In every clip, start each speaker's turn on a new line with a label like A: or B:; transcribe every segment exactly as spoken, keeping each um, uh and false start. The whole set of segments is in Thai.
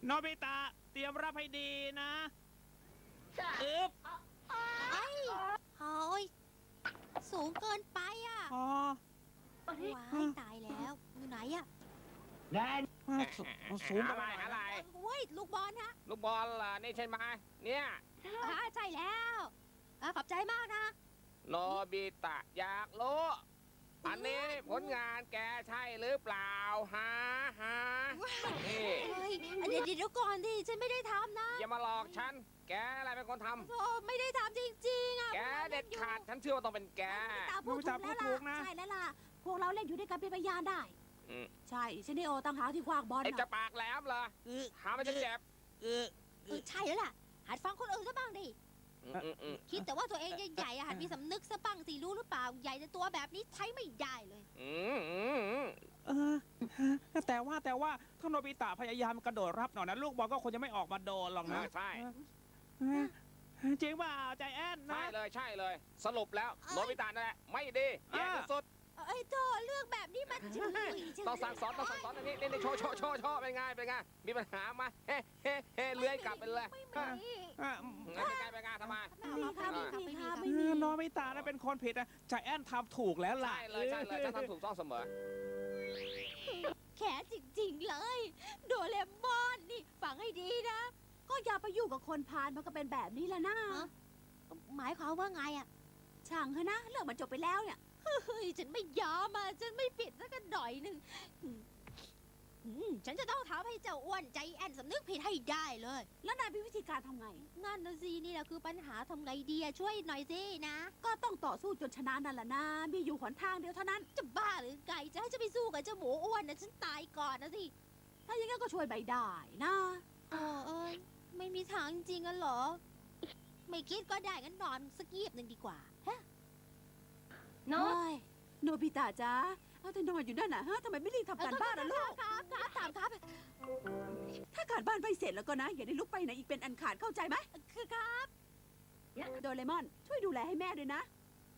A: โนบิตะเตรียมรับให้ดีนะอึ๊บ
B: ไอ้โอ้ยสูงเกินไปอ่ะ
A: อ๋อ
B: ว้ายตายแล้วอยู่ไหนอ่ะ
A: สสูง
C: อะ
A: ไป
C: ไรอะไร
B: เว้ยลูกบอลฮะ
C: ลูกบอลล่ะนี่ใช่ไหมเนี่ย
B: อ่าใช่แล้วอ่าขอบใจมากนะ
C: โนบิตะอยากรู้อันนี้ผลงานแกใช่หรือเปล่าฮะฮะนี่
B: เฮ้ยเดี๋ยวเดี๋ยวก่อนดิฉันไม่ได้ทำนะ
C: อย่ามาหลอกฉันแกอะไรเป็นคนท
B: โอ้ไม่ได้ทำจริงๆอ่ะ
C: ำแกเด็ดขาดฉันเชื่อว่าต้องเป็นแก
B: ตาพูดถูกแล้วล่ะใช่แล้วล่ะพวกเราเล่นอยู่ด้วยกันเป็นพยานได้
C: อืม
B: ใช่ฉันได้โอตั้งหากที่คว้างบอล
C: ไอ้จะ
B: น่ะ
C: ปากแหลมเหรอ
A: อึ๊บ
C: หาไม่จะเจ็บ
A: อึ๊บ
B: เออใช่แล้วล่ะหัดฟังคนอื่นซะบ้างดิ
C: อืมอืมอืม
B: คิดแต่ว่าตัวเองใหญ่ๆอะหัดมีสำนึกซะบ้างสิรู้หรือเปล่าใหญ่แต่ตัวแบบนี้ใช้ไม่ได้เลย
C: อืมอืมอืม
A: เออฮะแต่ว่าแต่ว่าถ้าโนบิตะพยายามกระโดดรับหน่อยนะลูกบอลก็คงจะไม่ออกมาโดนหรอกนะ
C: ใช่
A: เออจริงเปล่าใจแอนนะ
C: ใช่เลยใช่เลย สรุปแล้ว
B: เอ้ย
C: โนบิตะนั่นแหละไม่ดีแย่ที่สุด
B: เอ้ยโธ่เรื่องแบบนี้มันจะมีจั
C: ต้องสั่งสอนต้องสั่งสอนอันนี้นี่นี่โชว์โชว์โชว์โชว์เป็นไงเป็นไงมีปัญหามาเฮ้เฮ้เฮ้เลื้อยกลับไปเลย
B: ไม่
C: ฮะ
B: มี
A: อ่ะ
C: งั้นเป็นไงเป็นไงทำไม
B: ไม่มีค่ะไม่มีค่ะ
A: เอ
B: ไม่มี
A: อโนบิตะน่ะเป็นคนผิดนะใจแอนทำถูกแล้วล่ะ
C: ใช่เลยใช่เลยฉันทำถูกต้องเสมอ
B: แขนจริงๆเลย โดเรมอนนี่ฟังให้ดีนะ
D: ก็อย่าไปยุ่งกับคนพาลมันก็เป็นแบบนี้แหละนะ
B: หมายความว่าไงอ่ะ
D: ช่างเถอะนะเรื่องมันจบไปแล้วเนี่ย
B: เฮ้ยฉันไม่ยอมอ่ะฉันไม่ผิดสักหน่อยหนึ่งอืมอืมฉันจะต้องทำให้เจ้าอ้วนใจแอนสำนึกผิดให้ได้เลย
D: แล้วนายมีวิธีการทำไง
B: งั้นนะสินี่แหละคือปัญหาทำไงดีอะช่วยหน่อยสินะ
D: ก็ต้องต่อสู้จนชนะนั่นแหละนะมีอยู่หนทางเดียวเท่านั้น
B: จะบ้าหรือไงจะให้ฉันไปสู้กับเจ้าหมูอ้วนนะฉันตายก่อนนะสิ
D: ถ้าอย่างนั้นก็ช่วยไม่ได้นะ
B: โอ้เอ้ยไม่มีทางจริงอะเหรอ ไม่คิดก็ได้งั้นนอนสักยีบหนึ่งดีกว่าฮะ
D: โน้ยโนบิตะจ้าเอาแต่นอนอยู่นั่นน่ะฮะทำไมไม่รีบทำการบ้านล่ะลูก
B: ครับครับถามครับ
D: ถ้าการบ้านไม่เสร็จแล้วก็นะ อย่าได้ลุกไปไหนอีกเป็นอันขาดเข้าใจไหม
B: คือครับ
D: โดเรมอนช่วยดูแลให้แม่ด้วยนะ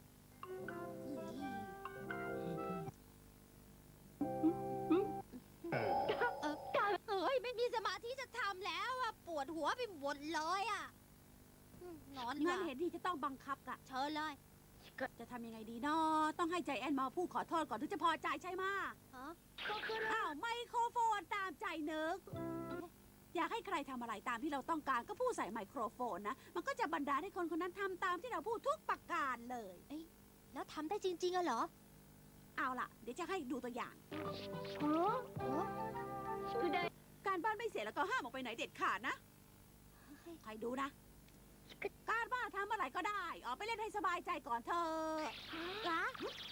B: เออเอ้ยไม่มีสมาธิจะทำแล้วอะปวดหัวไปหมดเลยอะอืมนอนดีก
D: งั้น
B: ว่า
D: เห็นทีจะต้องบังคับกะ
B: เชิญเลย
D: จะทำยังไงดีเนาะต้องให้ใจแอนมาพูดขอโทษก่อนถึงจะพอใจใช่ไหมะ
B: ฮะ
D: อ้าวไมโครโฟนตามใจนึก อยากให้ใครทำอะไรตามที่เราต้องการก็พูดใส่ไมโครโฟนนะ มันก็จะบันดาลให้คนคนนั้นทำตามที่เราพูดทุกประการเลย
B: แล้วทำได้จริงๆอะเหรอ
D: เอาล่ะ เดี๋ยวจะให้ดูตัวอย่าง
B: โอ้โห
D: การบ้านไม่เสร็จแล้วก็ห้ามออกไปไหนเด็ดขาดนะ ใครดูนะ การบ้านทำอะไรก็ได้ ออกไปเล่นให้สบายใจก่อนเธอะ
B: กะ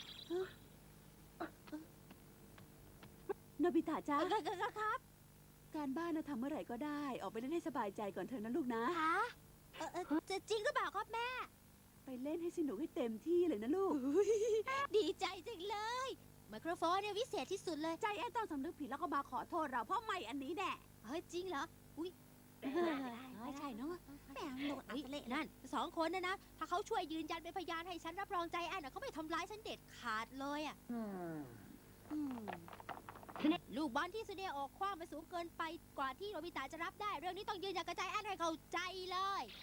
D: โนบิตะจ้า
B: ก็ก็ก็ครับ
D: การบ้านนะทำเมื่อไหร่ก็ได้ ออกไปเล่นให้สบายใจก่อนเถอะนะลูกนะ
B: ฮะเออเออจะจริงหรือเปล่าครับแม่
D: ไปเล่นให้สนุกให้เต็มที่เลยนะลูก
B: ดีใจจังเลย ไมโครโฟนเนี่ยวิเศษที่สุดเลย
D: ใจแอนต้องสำนึกผิดแล้วก็มาขอโทษเราเพราะไม่อันนี้แน่
B: เฮ้ยจริงเหรอ อุ้ย
D: ไม่ใช่เนาะ
B: แม่งโดนอัปเละนั่นสองคนนะนะ ถ้าเขาช่วยยืนยันเป็นพยานให้ฉันรับรองใจแอนนะเขาไม่ทำร้ายฉันเด็ดขาดเลยอ่ะอืมลูกบอลที่ซูเนียออกคว้างไปสูงเกินไปกว่าที่โนบิตะจะรับได้ เรื่องนี้ต้องยืนยันกับใจแอนให้เข้าใจเลย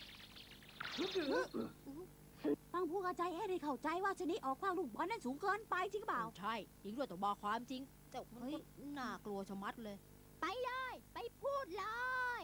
D: ต้องพูดกับใจแอนให้เข้าใจว่าชนิดออกความลูกบอลนั้นสูงเกินไปจริงเปล่า
B: ใช่จริงด้วยต้องบอกความจริงแต่เฮ้ยน่ากลัวชะมัดเลย ไปเลย ไปพูดเลย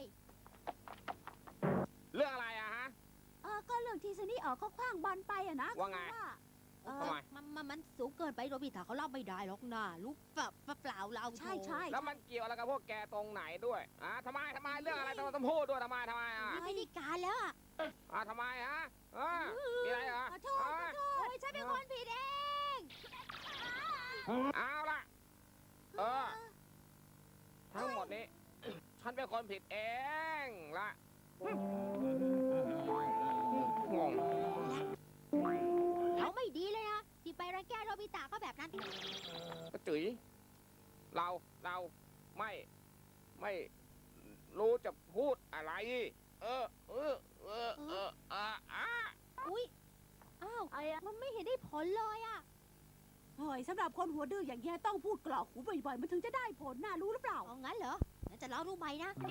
C: เรื่องอะไรอะฮะ
D: เออก็เรื่องที่ชนิดออกเขาคว้างบอลไปอะนะ
C: ว่าไง
D: คือเออ
C: ทำไม
B: มันมันมันสูงเกินไปโนบิตะเขารับไม่ได้หรอกนะลูกแบบเปล่าเรา
D: ใช่ใช่
C: แล้วมันเกี่ยวอะไรกับพวกแกตรงไหนด้วยอ่ะทำไมทำไมเรื่องอะไรต้องต้องพูดด้วยทำไมทำไมอ่ะ
B: ไม่ได้การแล้วอ่ะ
C: อ่ะทำไมฮะอ่ะมีอะไรเหรอ
D: ขอโทษขอโทษ
B: โอ้ยฉันเป็นคนผิดเอง
C: เอาล่ะ เออ ทั้งหมดนี้ ฉันเป็นคนผิดเองละงง
B: เขาไม่ดีเลยนะที่ไปรังแกโนบิตะก็แบบนั้น
C: กระจุ๋ยเรา เรา ไม่ ไม่รู้จะพูดอะไร เออ เออ เออ เอออ่ะอ่ะ
B: อุ้ยอ้าวมันไม่เห็นได้ผลเลยอ่ะ
D: เฮ้ยสำหรับคนหัวดื้ออย่างเงี้ยต้องพูดกรอกหูบ่อยๆมันถึงจะได้ผลน่ารู้หรือเปล่า
B: เอางั้นเหรองั้นจะลองดูใหม่นะ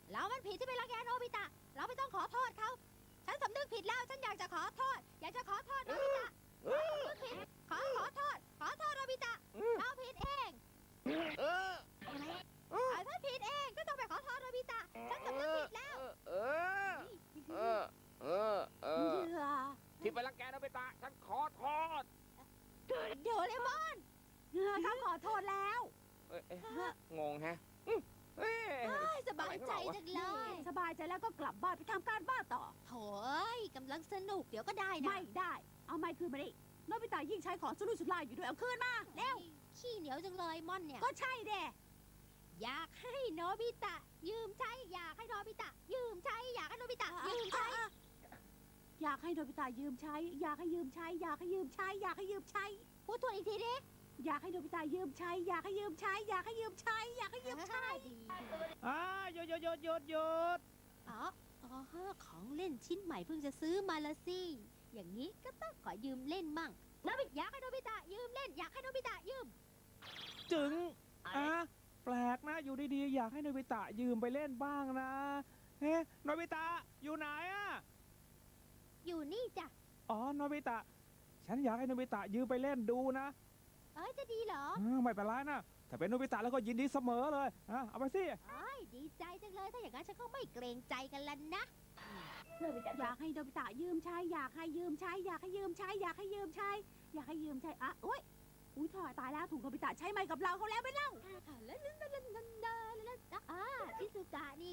B: เรามันผิดที่ไปรังแกโนบิตะ เราไม่ต้องขอโทษเขา ฉันสำนึกผิดแล้ว ฉันอยากจะขอโทษ อยากจะขอโทษโนบิตะสำนึกผิด ขอขอโทษ ขอโทษโนบิตะ เราผิดเอง
C: เออ
B: อ่ะฉันผิดเองก็ต้องไปขอโทษโนบิตะ ฉันสำนึกผิดแล้ว
C: เออ เออ เออ เออ
D: เหยื่อ
C: ที่ไปรังแกโนบิตะฉันขอโทษ
B: โดเรมอน
D: เหยื่อเขาขอโทษแล้ว
C: เอ้ยเอ้ยงงแฮะอืมเอ้ย
B: เอ้ยสบายใจจังเลย
D: สบายใจแล้วก็กลับบ้านไปทำการบ้านต่อ
B: โถ่เอ้ยกำลังสนุกเดี๋ยวก็ได้นะ
D: ไม่ได้ เอาไม้คืนมาดิโนบิตะยิ่งใช้ของสุรุ่ยสุร่ายอยู่ด้วยเอาคืนมาเร็ว
B: ขี้เหนียวจังเลยม่อนเนี่ย
D: ก็ใช่เด้
B: อยากให้โนบิตะ ยืมใช้ อยากให้โนบิตะ ยืมใช้ อยากให้โนบิตะ ยืมใช้
D: อยากให้โนบิตะยืมใช้ อยากให้ยืมใช้ อยากให้ยืมใช้ อยากให้ยืมใช้
B: พูดทวนอีกทีดิ
D: อยากให้โนบิตะยืมใช้ อยากให้ยืมใช้ อยากให้ยืมใช้ อยากให้ยืมใช้
B: ดี
A: อ่าหยุดหยุดหยุดหยุดหยุด
B: อ๋ออ๋อของเล่นชิ้นใหม่เพิ่งจะซื้อมาละสิ อย่างนี้ก็ต้องขอยืมเล่นมั่งโนบิอยากให้โนบิตะ ยืมเล่น อยากให้โนบิตะ ยืม
A: จึงอ่ะแปลกนะอยู่ดีๆอยากให้โนบิตะยืมไปเล่นบ้างนะเฮ้โนบิตะอยู่ไหนอ่ะ
B: อยู่นี่จ้ะ
A: อ๋อโนบิตะ ฉันอยากให้โนบิตะยืมไปเล่นดูนะ
B: เอ้ยจะดีเหรอ
A: อ่าไม่เป็นไรนะถ้าเป็นโนบิตะแล้วก็ยินดีเสมอเลยอ่ะเอาไปสิ
B: เอ้ยดีใจจังเลย ถ้าอย่างนั้นฉันก็ไม่เกรงใจกันแล้วนะ
D: อยากให้โนบิตะยืมใช้ อยากให้ยืมใช้ อยากให้ยืมใช้ อยากให้ยืมใช้ อยากให้ยืมใช้อ่ะโอ้ยอุ้ยถอยตายแล้วถูกโนบิตะใช้ไม้กับเราเขาแล้วไม่เล่า
B: แล้วแล้วแล้วแล้วแล้วอ่าชิซุกะนี่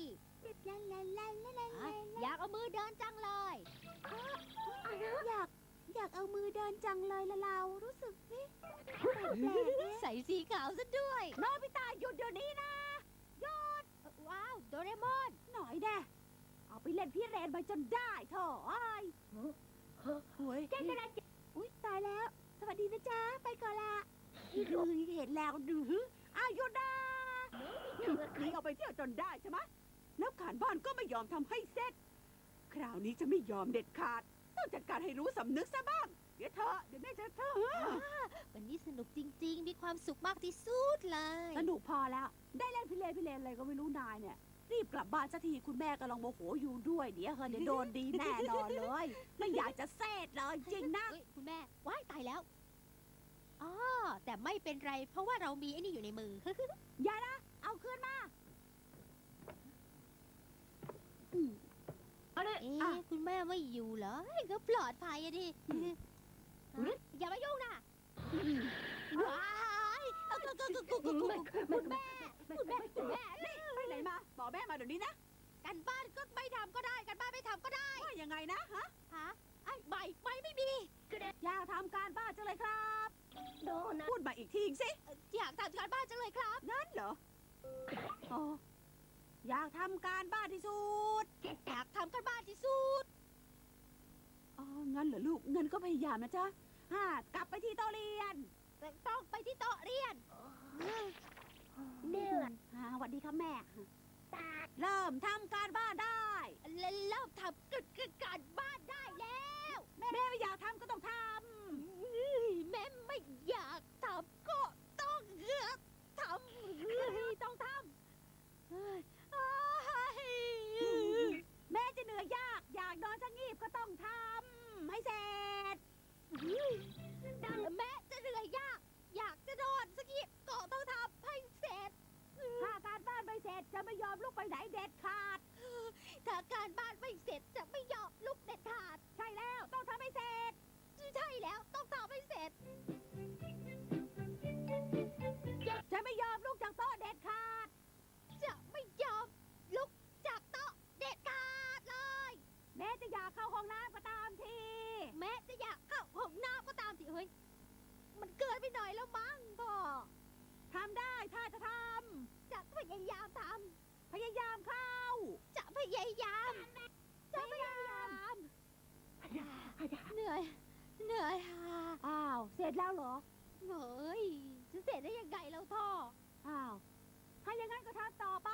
B: อยากเอามือเดินจังเลย
D: อยากอยากเอามือเดินจังเลยละเรารู้สึกสิแปลกๆ
B: ใส่สีขาวซะด้วย
D: โนบิตะหยุดเดี๋ยวนี้นะ
B: ว้าวโดเรมอน
D: หน่อยแน่เอาไปเล่นพี่เรนไปจนได้เถอะไอ้ายโอ้ยแกกระดาษอุ้ยตายแล้ว สวัสดีนะจ๊ะ ไปก่อนละดูเห็นแล้วดูอ้าวหยุดนะหนีออกไปเที่ยวจนได้ใช่ไหมแล้วการบ้านก็ไม่ยอมทำให้เสร็จ คราวนี้จะไม่ยอมเด็ดขาด ต้องจัดการให้รู้สำนึกซะบ้าง เดี๋ยวเธอเดี๋ยวแม่จะเธอ
B: วันนี้สนุกจริงๆ มีความสุขมากที่สุดเลย
D: สนุกพอแล้ว ได้เล่นพี่เลนพี่เลนอะไรก็ไม่รู้นายเนี่ย รีบกลับบ้านสักทีคุณแม่กำลังโมโหอยู่ด้วย เดี๋ยวเฮอเดี๋ยวโดนดีแน่นอนเลย ไม่อยากจะเซตเลยจริงนะ
B: เอ้ยคุณแม่ว้ายตายแล้วอ๋อแต่ไม่เป็นไร เพราะว่าเรามีไอ้นี่อยู่ในมือ
D: อย่านะ เอาคืนมาอืม
B: เอ๊ะคุณแม่ไม่อยู่เหรอเฮ้ยก็ปลอดภัยอะดิอย่ามายุ่งนะว้ายเอาก็ก็ก็ก็ก็คุณแม่คุณแม่คุณแม่
D: ไปไหนมา บอกแม่มาเดี๋ยวนี้นะ
B: กันบ้านก็ไม่ทำก็ได้กันบ้านไม่ทำก็ได้
D: ว่ายังไงนะฮะ
B: ฮะไอ้ไม่ไม่ไม่มี
D: อยากทำการบ้านจังเลยครับโดนพูดมาอีกทีสิ
B: อยากทำการบ้านจังเลยครับ
D: นั่นเหรออ๋ออยากทำการบ้านที่สุด
B: อยากทำกันบ้านที่สุด
D: อ๋อ งั้นเหรอลูก เงินก็พยายามนะจ๊ะฮ่ากลับไปที่โต๊ะเรียน
B: แต่ต้องไปที่โต๊ะเรียน
D: เดือนฮ่าสวัสดีครับแม่ เริ่มทำการบ้านได้
B: และเริ่มทำกิจการบ้านได้แล้ว
D: แม่ไม่อยากทำก็ต้องท
B: แม่ไม่อยากทำก็ต้องเลือกท
D: ำต้องท
B: ำเฮ้ย
D: ำ แม่จะเหนื่อยยาก อยากนอนสงีบก็ต้องทำให้เสร็จ
B: แม่จะเหนื่อยยาก อยากจะนอนสักทีก็ต้องทำให้เสร็จ
D: ถ้าการบ้านไม่เสร็จจะไม่ยอมลุกไปไหนเด็ดขาด
B: ถ้าการบ้านไม่เสร็จจะไม่ยอมลุกเด็ดขาด
D: ใช่แล้วต้องทำให้เสร็จ
B: ใช่แล้วต้องทำให้เสร็จ
D: จะไม่ยอมลุกจากโต๊ะเด็ดขาด
B: จะไม่ยอมลุกจากโต๊ะเด็ดขาดเลย
D: แม้จะอยากเข้าห้องน้ำก็ตามที
B: แม้จะอยากเข้าห้องน้ำก็ตามสิเฮ้ย มันเกินไปหน่อยแล้วมั้งพ่อ
D: ทำได้ถ้าจะท
B: จะพยายามท
D: ำ พยายามเข้า
B: ำ จะพยายาม จะพยายาม เหนื่อย เหนื่อยค่ะ
D: อ้าว เสร็จแล้วเหรอ
B: เฮ้ยจะเสร็จได้ยังไงเราท่อ
D: อ้าว ถ้าอย่างนั้นก็ทำต่อไป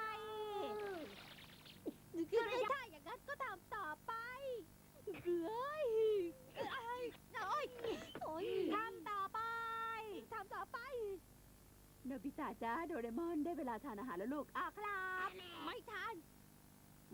B: คือถ้าอย่างนั้นก็ทำต่อไปเฮ้ยเอ้ยโอ้ยโอ้ย
D: ทำต่อไป
B: ทำต่อไป
D: โนบิตะจ้าโดเรมอนได้เวลาทานอาหารแล้วลูกอ้าวครับ
B: ไม่ทัน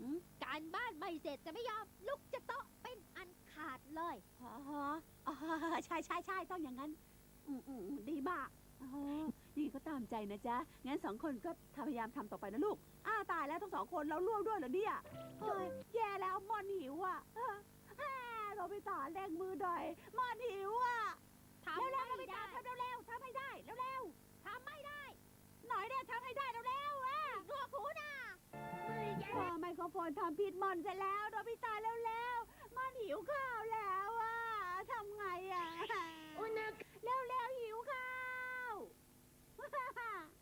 D: อืม
B: การบ้านไม่เสร็จจะไม่ยอมลุกจะโต๊ะเป็นอันขาดเลย
D: อ๋ออ๋อใช่ใช่ใช่ต้องอย่างนั้น อืมอืมอืมดีมากอ๋อนี่ก็ตามใจนะจ๊ะ งั้นสองคนก็พยายามทำต่อไปนะลูก อ้าตายแล้วทั้งสองคนเราร่วมด้วยเหรอเนี่ยเฮ้ยแย่แล้วมอนหิวอ่ะเออแฮ่โรบิตาเร่งมือหน่อยมอนหิวอ่ะ
B: ทำ
D: เร็วๆโร
B: ไม่
D: บิตา
B: ได้
D: ทำเร็วๆทำให้ได้เร็ว
B: ทำไม่ได้
D: ๆหน่อยเนี่ยทำให้ได้เร็วๆอ่ะ
B: หนวกหูนะ
D: พอไมโครโฟนทำผิดมอนเสร็จแล้วโรบิตาเร็วๆมอนหิวข้าวแล้วอ่ะทำไงอ่ะเร็วๆหิวข้าว